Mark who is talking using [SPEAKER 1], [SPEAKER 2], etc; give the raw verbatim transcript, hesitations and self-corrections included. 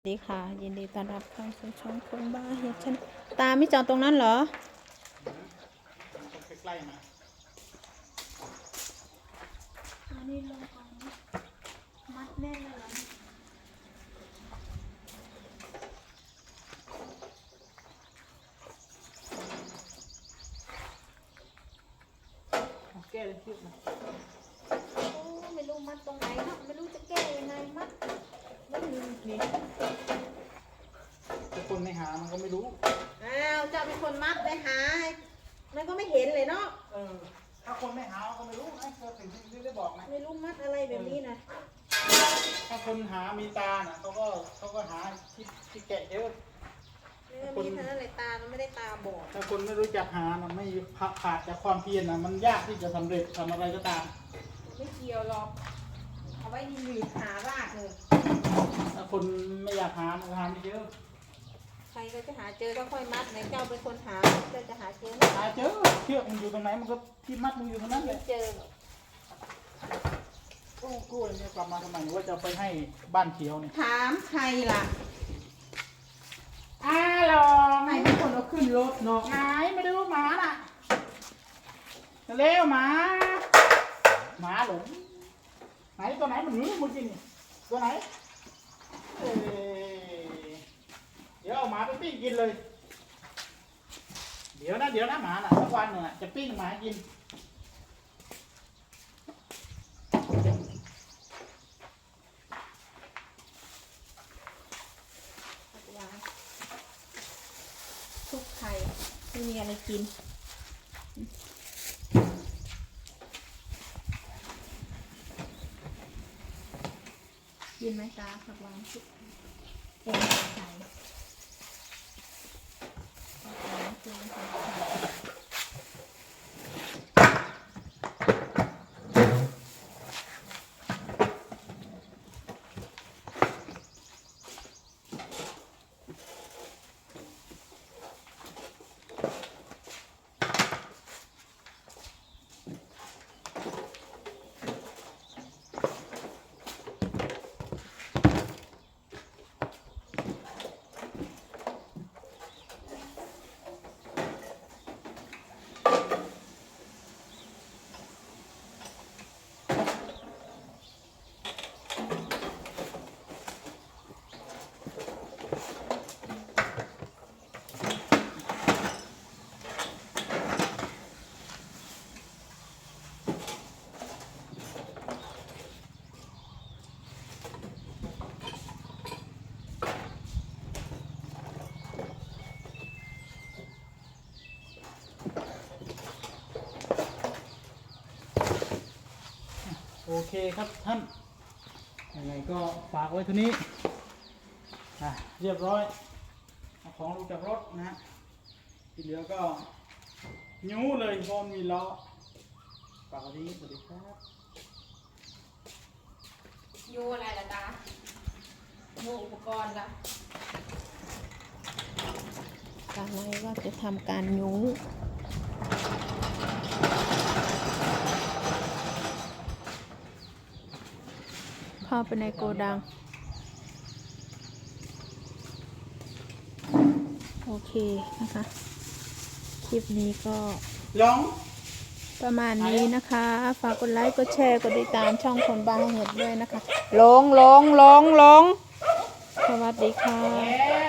[SPEAKER 1] สวัสดีค่ะยินดีต้อนรับเข้าสู่ช่องคนบ้าเห็ดฉันตาไม่จอดตรงนั้นเหรอ
[SPEAKER 2] ใกล้ๆมา
[SPEAKER 1] อันนี้ลงของมัดแน่นเลยเหรอ
[SPEAKER 2] แก้เลยเชือกมา
[SPEAKER 1] โอ้ไม่รู้มัดตรงไหนเนาะไม่รู้จะแก้ยังไงมัดไม่มีนี่
[SPEAKER 2] ถ้าคนไม่หามันก็ไม่รู้
[SPEAKER 1] อ้าวเจ้าเป็นคนมัดไปหามันก็ไม่เห็นเลยเนาะ
[SPEAKER 2] เออถ้าคนไม่หามันก็ไม่รู้นะก็ถึงที่ได้บอกนะ
[SPEAKER 1] ไม่รู้มัดอะไรแบบนี้นะ
[SPEAKER 2] ถ้าคนหามีตาน่ะเขาก็เขาก็หาที่ที่แกะเยอะ
[SPEAKER 1] มีเท่านั้นเลยตามันไม่ได้ตาบอด
[SPEAKER 2] ถ้าคนไม่รู้จักหานะไม่ขาดจากความเพียรนะมันยากที่จะสำเร็จทำอะไรก็ตาม
[SPEAKER 1] ไม่เกี่ยวหรอกเอาไว้ดีหลือหารากเลย
[SPEAKER 2] ถ้าคนไม่อยากหามันหาไม่เยอะ
[SPEAKER 1] ใครก็จะหาเจอก็ค่อยมัดไหนเจ้าเป็นคนหาเจ้าจะหาเจอ
[SPEAKER 2] หาเจอเชือกมันอยู่ตรงไหนมันก็ที่มัดมันอยู่ตรงนั้นเลย
[SPEAKER 1] เจอ
[SPEAKER 2] โอ้กล้วยเนี่ยกลับมาทำไมหรือว่าจะไปให้บ้านเขียวเนี่ย
[SPEAKER 1] ถามใครล่ะ
[SPEAKER 2] อาลอง
[SPEAKER 1] ใครเป็นคนเอาขึ้นรถเนาะ
[SPEAKER 2] ไหนมาดูหมาน่ะเร็วหมาหมาหลงไหนตัวไหนมันหนีมึงกินนี่ตัวไหนเอเดี๋ยวเอาหมาไปปิ้งกินเลยเดี๋ยวนะเดี๋ยวนะหมาน่ะสักวันหนึ่งจะปิ้งหมากิน
[SPEAKER 1] ทุกไข่ไม่มีอะไรกินกินไหมตาผักหวานทุกแกงไข่
[SPEAKER 2] โอเคครับท่านยังไงก็ฝากไว้เท่านี้อ่ะเรียบร้อยเอาของลงจากรถนะที่เหลือก็ยู้เลยพร้อมมีล้อฝากไว้ที่นี้สวัสดีครับ
[SPEAKER 1] ยูอะไรล่ะตายูอุปกรณ์ละตาไว้ว่าจะทำการยูเข้าไปในโกดังโอเคนะคะคลิปนี้ก็
[SPEAKER 2] ลอง
[SPEAKER 1] ประมาณนี้นะคะฝากกดไลค์กดแชร์กดติดตามช่องคนบ้าเห็ดด้วยนะคะลงลงลงลงสวัสดีค่ะ